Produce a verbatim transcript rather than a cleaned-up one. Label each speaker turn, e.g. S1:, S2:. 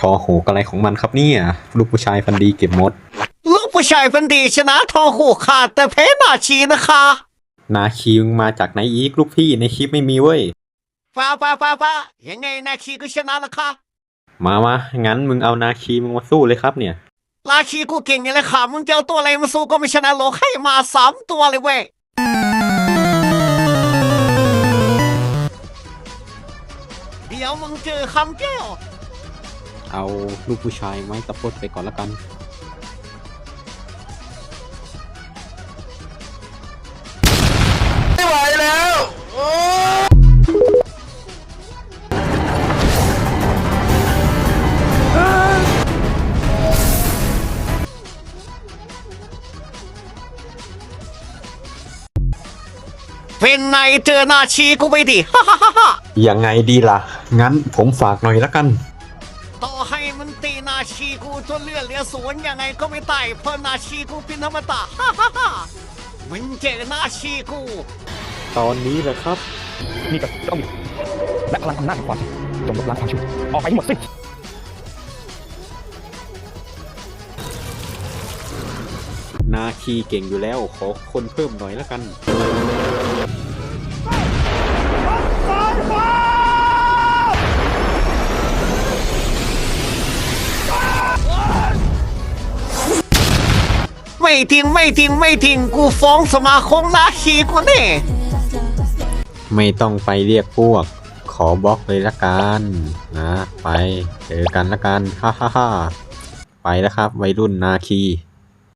S1: อโหกอะไรของมันครับเนี่ยลูกผู้ชายฟันดีเก็บมด
S2: ลูกผู้ชายเป็นดีชนะทองหูขาดแต่แพ้นาชีนะคะ
S1: นาคีมึงมาจากไหนอีกลูกพี่ในคลิปไม่มีเว้ย
S2: ฟ้าฟ้าฟ้าฟ้ายังไงนาชีก็ชนะนะคะ
S1: มามางั้นมึงเอานาคีมึงมาสู้เลยครับเนี่ย
S2: นาชีกูเก่งอย่างเลยค่ะมึงจะเอาตัวอะไรมาสู้ก็ไม่ชนะโลกให้มาสามตัวเลยเว้ยเดี๋ยวมึงเจอคำแก้ว
S1: เอาลูกผู้ชายไม้ตะพดไปก่อนละกัน
S3: ไม่ไหวแล้วโอ้
S2: เป็นไงเจอนาชีกูไปดิฮ่าฮ่าฮ่า
S1: ยังไงดีล่ะงั้นผมฝากหน่อยละกัน
S2: ต่อให้มันตีนาชีกูจนเลือดเหลือศูนย์ยังไงก็ไม่ตายเพราะนาชีกูเป็นธรรมตาฮ่าฮ่าฮ่ามึงเจอนาชีกู
S1: ตอนนี้แหละครับ
S4: นี่ก็ต้องมีและพลังอำนาจแห่งความผิดจงลบล้างความชั่วออกไปให้หมดสิ้น
S1: นาคีเก่งอยู่แล้วขอคนเพิ่มหน่อยละกัน
S2: ไม่ทิ้งไม่ทิ้งไม่ทิ้งกูฟ้องสมาคมนาชีกูแน่
S1: ไม่ต้องไปเรียกพวกขอบล็อกเลยละกันนะไปเจอกันละกันฮ่าฮ่าฮ่าไปแล้วครับวัยรุ่นนาคี